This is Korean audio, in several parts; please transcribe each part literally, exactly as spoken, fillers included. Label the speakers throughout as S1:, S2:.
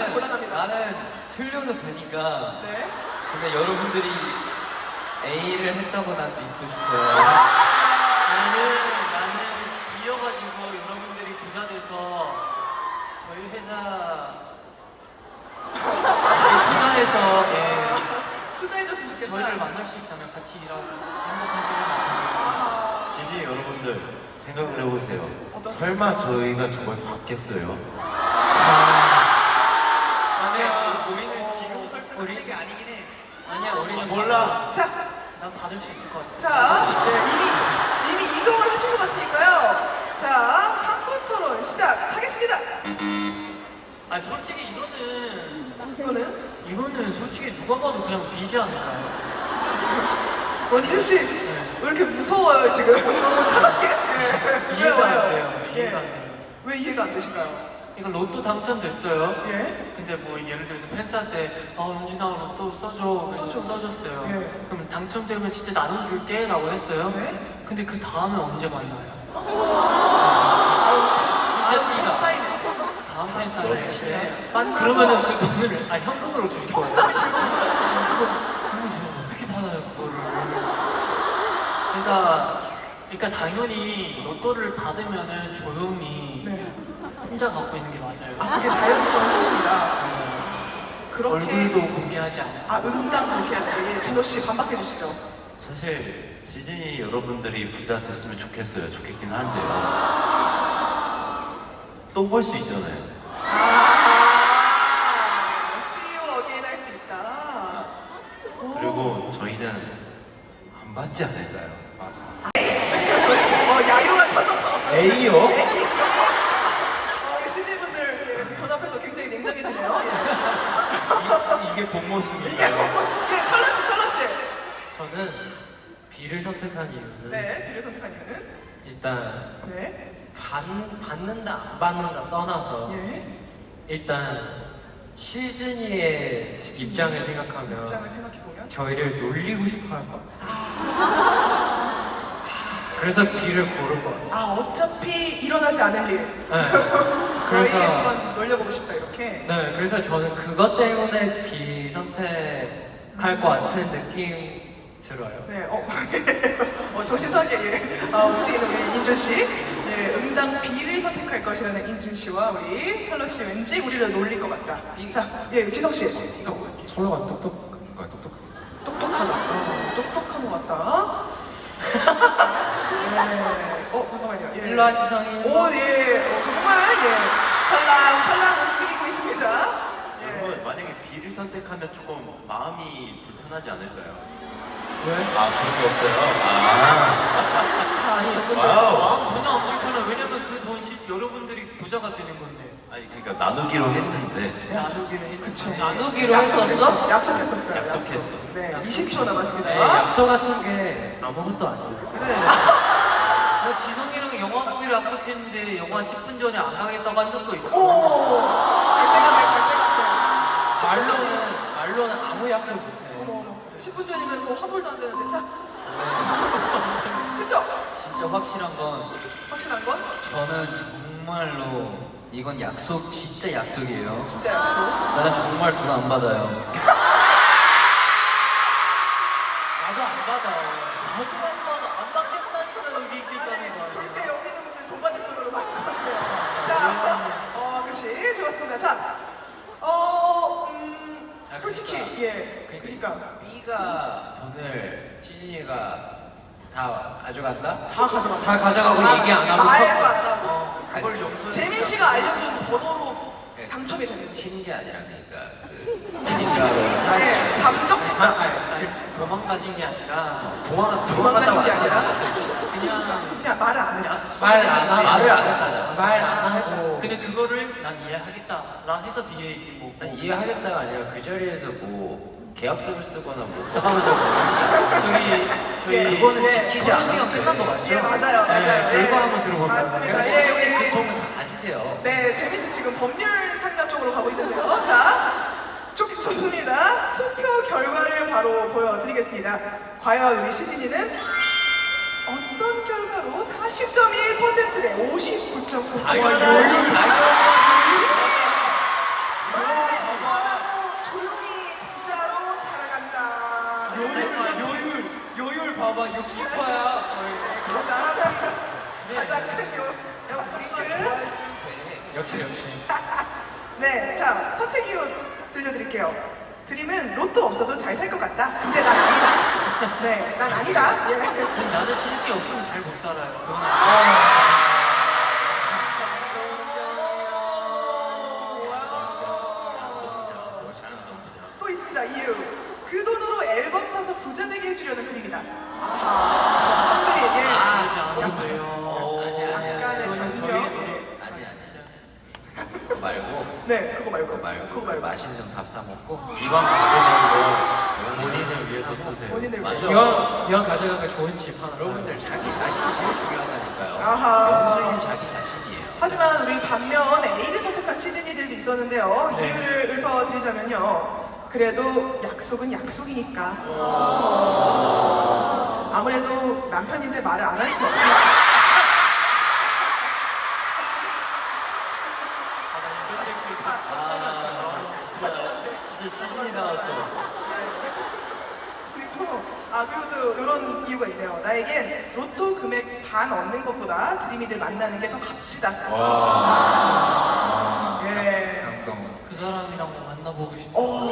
S1: 나는
S2: 곤란합니다.
S1: 나는 틀려도 되니까.
S2: 네.
S1: 근데 여러분들이 A를 했다고 난 믿고 싶어요.
S3: 나는 나는 B여가지고 여러분들이 부자 돼서 저희 회사 투자해서 예,
S2: 투자해줬으면 좋겠다.
S3: 저희를 만날 수 있잖아요. 같이 일하고 같이 행복한 시간 만나고.
S2: 아,
S4: 지지 여러분들 생각을 해보세요.
S2: 어떤-
S4: 설마 저희가 저걸 받겠어요?
S1: 아니야, 우리는 지금 설득하는 게 아니긴 해.
S3: 아니야 우리는
S4: 몰라.
S2: 자,
S3: 난 받을 수 있을 것 같아.
S2: 자, 네, 이미 이미 이동을 하신 것 같으니까요. 자, 삼 분 토론 시작하겠습니다.
S3: 아 솔직히 이거는
S2: 이거는
S3: 이거는 솔직히 누가 봐도 그냥 B지 않을까요?
S2: 원진 씨, 왜 이렇게 무서워요 지금? 너무 차갑게? 네.
S3: 이해가 안
S2: 왜요?
S3: 돼요. 이해가 안
S2: 예.
S3: 돼요.
S2: 왜 이해가 안 되실까요?
S3: 이거 로또 당첨됐어요.
S2: 예.
S3: 근데 뭐 예를 들어서 팬사한테 아 용진아 로또 써줘 그래서
S2: 써줘.
S3: 써줬어요.
S2: 예.
S3: 그럼 당첨되면 진짜 나눠줄게 라고 했어요.
S2: 네.
S3: 근데 그 다음에 언제 만나요?
S2: 아,
S3: 진짜 티가
S2: 사인해.
S3: 다음 팬사에 네.
S2: 만나서-
S3: 그러면은 그 돈을 아 현금으로 줄 거예요. 그러면 제가 어떻게 받아요 그거를? 그러니까 그러니까 당연히 로또를 받으면은 조용히
S2: 네.
S3: 혼자 갖고 있는 게 맞아요.
S2: 아, 그게 자연스러운 수순이다.
S3: 맞아요.
S2: 그렇게
S3: 얼굴도 공개하지 않아요.
S2: 아, 응당 그렇게 해야 돼. 예, 진호 씨 반박해 주시죠.
S4: 사실 시즌이 여러분들이 부자 됐으면 좋겠어요. 좋겠긴 한데요. 또 볼 수 있잖아요.
S2: 아, See you again 할 수 있다. 오.
S4: 그리고 저희는 안 받지 않을까요?
S1: 맞아.
S2: 어, 야유가 터졌어.
S4: A요?
S2: 어, 우리 씨지분들 예, 돈 앞에서 굉장히 냉정해지네요. 예.
S4: 이게 본
S2: 이게
S4: 모습인가요?
S2: 뭐, 예, 철러 씨, 철러 씨.
S3: 저는 B를 선택한 이유는
S2: 네, 비를 선택한 이유는?
S3: 일단
S2: 네.
S3: 받, 받는다 안 받는다 떠나서
S2: 예.
S3: 일단 시즈니의 입장을 생각하면
S2: 입장을 생각해보면.
S3: 저희를 놀리고 싶어 할 것 같아요. 그래서 B를 고를 것 같아요.
S2: 아, 어차피 일어나지 않을 일.
S3: 네.
S2: 그래서
S3: 그래서
S2: 한번 놀려보고 싶다, 이렇게.
S3: 네, 그래서 저는 그것 때문에 B 선택할 것 같은 느낌 들어요.
S2: 네, 어, 어 조시석에 예, 어, 움직이는 우리 인준 씨, 예, 응당 B를 선택할 것이라는 인준 씨와 우리 철러 씨 왠지 우리를 놀릴 것 같다. 자, 예, 지석 씨,
S3: 철로가 똑똑, 똑똑.
S2: 똑똑하다. 어, 똑똑한 것 같다. 네, 어 잠깐만요. 예.
S3: 일로 와 지성이.
S2: 오, 예, 어, 정말 예, 팔랑 팔랑 움직이고 있습니다.
S4: 여러분
S2: 예.
S4: 만약에 B를 선택하면 조금 마음이 불편하지 않을까요?
S3: 왜?
S4: 아 그런 게 없어요? 아
S2: 자, 저분들.
S4: 와우.
S3: 마음 전혀 안 불편해. 왜냐면 그 돈 여러분들이 부자가 되는 건데.
S4: 아니 그러니까 나누기로 했는데
S3: 나누기로 했
S2: 그쵸.
S3: 나누기로
S2: 약속했어?
S3: 했었어?
S2: 약속했었어요.
S4: 약속했어.
S2: 약속. 네, 이십 초 남았습니다.
S3: 네, 약속 같은 게 아무것도 아니에요.
S2: 그래.
S3: 나 지성이랑 영화 보기로 약속했는데 영화 십 분 전에 안 가겠다고 한 적도 있었어.
S2: 오, 갈대가 돼, 갈대가 돼.
S3: 말로는 말로는 아무 약속 못
S2: 어머,
S3: 해.
S2: 어머. 십 분 전이면 뭐 화물도 안 되는데. 자,
S3: 네.
S2: 진짜
S1: 진짜 확실한 건
S2: 확실한 건?
S1: 저는 정말로 이건 약속, 진짜 약속이에요.
S2: 진짜 약속.
S1: 나는 정말 돈 안 받아요.
S3: 나도 안 받아. 나도 안 받아. 안 받겠다니까 여기
S2: 아니,
S3: 있겠다는 거야.
S2: 졸지에 여기 있는 분들 돈 받을 분으로 맞췄네요. 자, 어, 그렇지. 좋았습니다. 자, 어, 음,
S1: 아,
S2: 솔직히,
S1: 그러니까.
S2: 예. 그러니까.
S1: B가 돈을 시진이가 다 가져간다?
S2: 다 가져가.
S3: 다 가져가고
S2: 다
S3: 얘기 안 하고
S2: 말도
S3: 쳤어.
S2: 안 하고.
S3: 그걸 용서.
S2: 재민 씨가 알려준 번호로
S1: 네.
S2: 당첨이 됐는데.
S1: 튀는 게 아니라 그러니까 그 그러니까
S2: 네,
S3: 아,
S2: 잠적했다.
S3: 아니, 아니, 도망가신 게 아니라
S1: 도망
S2: 도망가신 게 아니라?
S3: 그냥
S2: 그냥 말을 안 해.
S3: 말 안 하고
S1: 말을 안 했다잖아.
S3: 말 안 하고 근데 그거를 난 이해하겠다 라 해서 B에 있는 거고
S1: 난 이해하겠다가 아니라 그 자리에서 뭐 계약서를 쓰거나 뭐
S3: 잠깐만 잠깐만 저기 저희
S2: 예,
S3: 이거는
S2: 예.
S3: 지키지 않은 시간 끝난 거 맞죠?
S2: 예, 맞아요, 맞아요.
S3: 네,
S2: 예.
S3: 결과 한번 들어볼까요?
S2: 맞습니다.
S1: 시간이
S2: 예, 예.
S1: 그 돈을 다 가지세요.
S2: 네, 재민 씨 지금 법률 상담 쪽으로 가고 있는데요. 자, 좋, 좋습니다. 투표 결과를 바로 보여드리겠습니다. 과연 우리 시진이는 어떤 결과로 사십 점 일 퍼센트 대 오십구 점 구 퍼센트
S1: 당연하지, 당연하지. 봐봐 육십 퍼야.
S2: 가장 가장 큰 요. 요
S3: 역시 역시.
S2: 네, 자 선택 이유 들려드릴게요. 드림은 로또 없어도 잘 살 것 같다. 근데 난 아니다. 네, 난 아니다. 예.
S3: 나는 시즌이 없으면 잘 못 살아요.
S2: 또 있습니다. 이유. 그 돈으로 앨범 사서 부자 되게 해주려는 그림이다. 아하. 그림. 예.
S3: 아, 이제 안
S2: 약간-
S3: 오네요.
S2: 약간의
S3: 그거는
S2: 변경.
S3: 저희
S2: 예.
S1: 아니 아니. 그거 말고.
S2: 네, 그거 말고.
S1: 그거 말고.
S2: 그거 말고.
S1: 맛있는 밥 사 먹고.
S4: 이번 가져간 거 본인을 위해서 쓰세요.
S2: 본인을
S1: 맞아.
S2: 위해서.
S3: 이왕 이왕 가져가가 좋은 집 하나.
S1: 여러분들
S3: 사요.
S1: 자기 자신이 제일 중요하다니까요.
S2: 아하.
S1: 영수는 자기 자신이에요.
S2: 하지만 우리 반면 A를 선택한 시즈니들도 있었는데요.
S3: 네.
S2: 이유를 읊어드리자면요. 그래도 약속은 약속이니까. 아무래도 남편인데 말을 안 할 수는 없으니까.
S1: 아, 진짜 시신이 나왔어.
S2: 그리고 아 그리고 또 이런 이유가 있네요. 나에겐 로또 금액 반 얻는 것보다 드림이들 만나는 게 더 값지다.
S4: 와.
S2: 예.
S1: 감동.
S3: 그 사람이랑 만나보고 싶어.
S2: 오.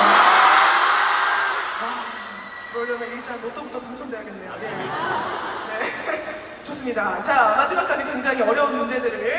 S2: 그러려면 일단 로또부터 당첨돼야겠네요. 예. 네. 좋습니다. 자 마지막까지 굉장히 어려운 문제들을